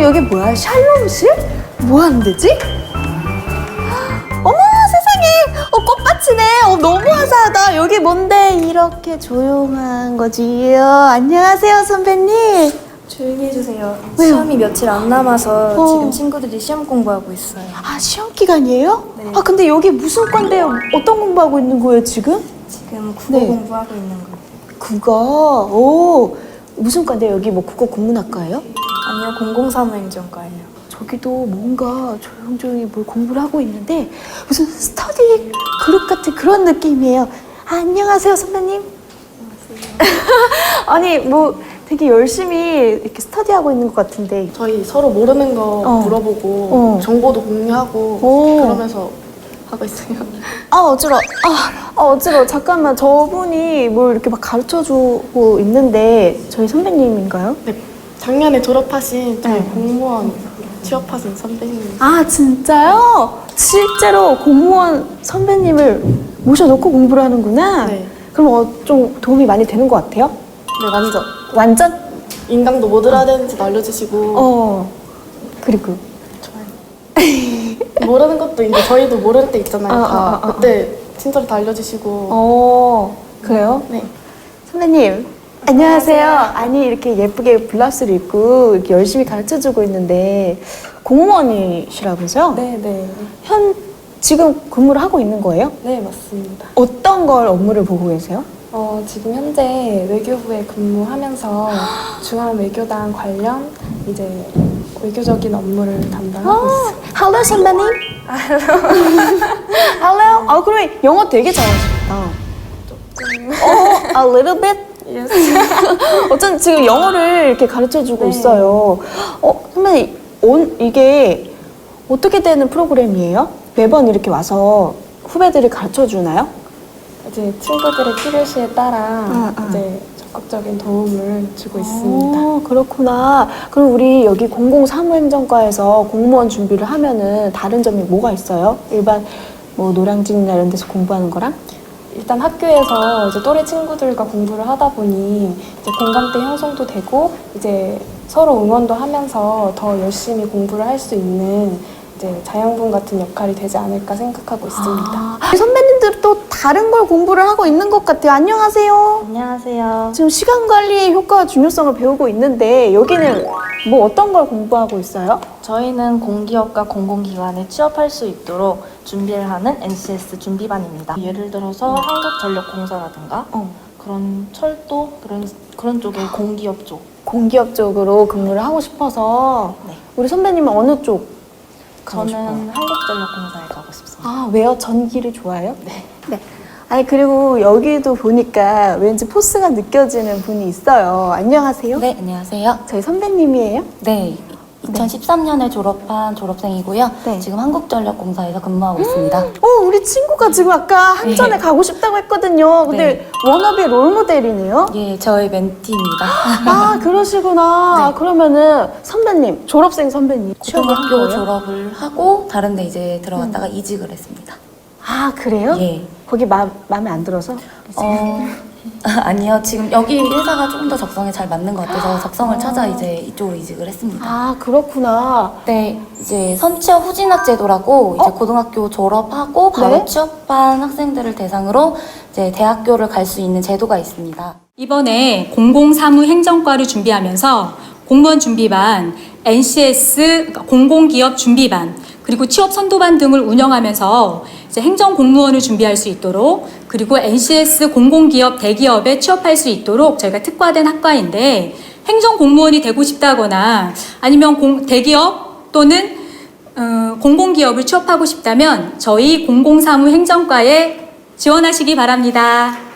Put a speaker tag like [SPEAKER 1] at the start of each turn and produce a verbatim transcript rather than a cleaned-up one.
[SPEAKER 1] 여기 뭐야? 샬롬실? 뭐 하는 데지? 어머 세상에! 어, 꽃밭이네. 어, 너무 화사하다. 여기 뭔데 이렇게 조용한 거지요? 안녕하세요 선배님.
[SPEAKER 2] 조용히 해주세요.
[SPEAKER 1] 왜요?
[SPEAKER 2] 시험이 며칠 안 남아서
[SPEAKER 1] 어.
[SPEAKER 2] 지금 친구들이 시험 공부하고 있어요.
[SPEAKER 1] 아 시험 기간이에요?
[SPEAKER 2] 네.
[SPEAKER 1] 아 근데 여기 무슨 과인데요? 어떤 공부하고 있는 거예요 지금?
[SPEAKER 2] 지금 국어
[SPEAKER 1] 네.
[SPEAKER 2] 공부하고 있는 거예요.
[SPEAKER 1] 국어. 오 무슨 과인데 여기 뭐 국어 국문학과예요?
[SPEAKER 2] 아니요, 공공사무행정과예요.
[SPEAKER 1] 저기도 뭔가 조용조용히 뭘 공부를 하고 있는데 무슨 스터디 그룹 같은 그런 느낌이에요. 아, 안녕하세요 선배님. 아니 뭐 되게 열심히 이렇게 스터디하고 있는 것 같은데.
[SPEAKER 3] 저희 서로 모르는 거
[SPEAKER 1] 어.
[SPEAKER 3] 물어보고
[SPEAKER 1] 어.
[SPEAKER 3] 정보도 공유하고
[SPEAKER 1] 오.
[SPEAKER 3] 그러면서 하고 있어요.
[SPEAKER 1] 아 어지러워. 아, 아 어지러워. 잠깐만 저분이 뭘 이렇게 막 가르쳐주고 있는데 저희 선배님인가요?
[SPEAKER 3] 네, 작년에 졸업하신 저희
[SPEAKER 1] 네.
[SPEAKER 3] 공무원 취업하신 선배님.
[SPEAKER 1] 아 진짜요? 실제로 공무원 선배님을 모셔놓고 공부를 하는구나.
[SPEAKER 3] 네.
[SPEAKER 1] 그럼 어, 좀 도움이 많이 되는 것 같아요?
[SPEAKER 3] 네, 완전
[SPEAKER 1] 완전?
[SPEAKER 3] 인강도 뭐 들어야 되는지도 알려주시고
[SPEAKER 1] 어. 그리고
[SPEAKER 3] 좋아요. 모르는 것도 이제 저희도 모를 때 있잖아요.
[SPEAKER 1] 아,
[SPEAKER 3] 다
[SPEAKER 1] 아, 아, 아.
[SPEAKER 3] 그때 친절히 다 알려주시고.
[SPEAKER 1] 어 그래요?
[SPEAKER 3] 네.
[SPEAKER 1] 선배님 안녕하세요. 아니 이렇게 예쁘게 블라우스를 입고 이렇게 열심히 가르쳐주고 있는데 공무원이시라면서요?
[SPEAKER 2] 네, 네.
[SPEAKER 1] 현 지금 근무를 하고 있는 거예요?
[SPEAKER 2] 네, 맞습니다.
[SPEAKER 1] 어떤 걸 업무를 보고 계세요?
[SPEAKER 2] 어, 지금 현재 외교부에 근무하면서 중앙외교단 관련 이제 외교적인 업무를 담당하고 있어요.
[SPEAKER 1] Hello 선배님. Hello. 아 그럼 영어 되게 잘하시겠다. 어, a little bit.
[SPEAKER 2] Yes.
[SPEAKER 1] 어쩐 지금 영어를 이렇게 가르쳐주고
[SPEAKER 2] 네.
[SPEAKER 1] 있어요. 어 선배님 온 이게 어떻게 되는 프로그램이에요? 매번 이렇게 와서 후배들을 가르쳐 주나요?
[SPEAKER 2] 이제 친구들의 필요시에 따라
[SPEAKER 1] 아, 아.
[SPEAKER 2] 이제 적극적인 도움을 주고 있습니다.
[SPEAKER 1] 어, 그렇구나. 그럼 우리 여기 공공사무행정과에서 공무원 준비를 하면은 다른 점이 뭐가 있어요? 일반 뭐 노량진이나 이런 데서 공부하는 거랑?
[SPEAKER 2] 일단 학교에서 이제 또래 친구들과 공부를 하다 보니 이제 공감대 형성도 되고 이제 서로 응원도 하면서 더 열심히 공부를 할 수 있는 이제 자양분 같은 역할이 되지 않을까 생각하고 있습니다.
[SPEAKER 1] 아, 선배님들 또 다른 걸 공부를 하고 있는 것 같아요. 안녕하세요.
[SPEAKER 2] 안녕하세요.
[SPEAKER 1] 지금 시간 관리의 효과와 중요성을 배우고 있는데 여기는 뭐 어떤 걸 공부하고 있어요?
[SPEAKER 4] 저희는 공기업과 공공기관에 취업할 수 있도록 준비를 하는 엔씨에스 준비반입니다. 예를 들어서 한국전력공사라든가
[SPEAKER 1] 어.
[SPEAKER 4] 그런 철도 그런 그런 쪽의 공기업 쪽.
[SPEAKER 1] 공기업 쪽으로 근무를 하고 싶어서
[SPEAKER 4] 네.
[SPEAKER 1] 우리 선배님은 어느 쪽 가고
[SPEAKER 4] 저는
[SPEAKER 1] 싶어요?
[SPEAKER 4] 한국전력공사에 가고 싶습니다.
[SPEAKER 1] 아 왜요? 전기를 좋아해요?
[SPEAKER 4] 네.
[SPEAKER 1] 네. 아니 그리고 여기도 보니까 왠지 포스가 느껴지는 분이 있어요. 안녕하세요.
[SPEAKER 4] 네, 안녕하세요.
[SPEAKER 1] 저희 선배님이에요?
[SPEAKER 4] 네. 이천십삼 년에 졸업한 졸업생이고요.
[SPEAKER 1] 네.
[SPEAKER 4] 지금 한국전력공사에서 근무하고 있습니다.
[SPEAKER 1] 어 우리 친구가 지금 아까 한전에
[SPEAKER 4] 네.
[SPEAKER 1] 가고 싶다고 했거든요. 근데
[SPEAKER 4] 네.
[SPEAKER 1] 워너비 롤모델이네요.
[SPEAKER 4] 예, 저희 멘티입니다.
[SPEAKER 1] 아 그러시구나.
[SPEAKER 4] 네.
[SPEAKER 1] 그러면은 선배님 졸업생 선배님 취업을 한
[SPEAKER 4] 고등학교
[SPEAKER 1] 거예요?
[SPEAKER 4] 졸업을 하고 다른 데 이제 들어갔다가 이직을 했습니다.
[SPEAKER 1] 아 그래요?
[SPEAKER 4] 예.
[SPEAKER 1] 거기 마, 마음에 안 들어서?
[SPEAKER 4] 어, 아니요. 지금 여기 회사가 조금 더 적성에 잘 맞는 것 같아서 적성을 찾아 이제 이쪽으로 이직을 했습니다.
[SPEAKER 1] 아 그렇구나.
[SPEAKER 4] 네, 이제 선취업 후진학 제도라고 이제
[SPEAKER 1] 어?
[SPEAKER 4] 고등학교 졸업하고 바로
[SPEAKER 1] 네?
[SPEAKER 4] 취업한 학생들을 대상으로 이제 대학교를 갈 수 있는 제도가 있습니다.
[SPEAKER 5] 이번에 공공사무행정과를 준비하면서 공무원 준비반, 엔씨에스 그러니까 공공기업 준비반, 그리고 취업 선도반 등을 운영하면서 이제 행정공무원을 준비할 수 있도록 그리고 엔씨에스 공공기업 대기업에 취업할 수 있도록 저희가 특화된 학과인데 행정공무원이 되고 싶다거나 아니면 공, 대기업 또는 어, 공공기업을 취업하고 싶다면 저희 공공사무행정과에 지원하시기 바랍니다.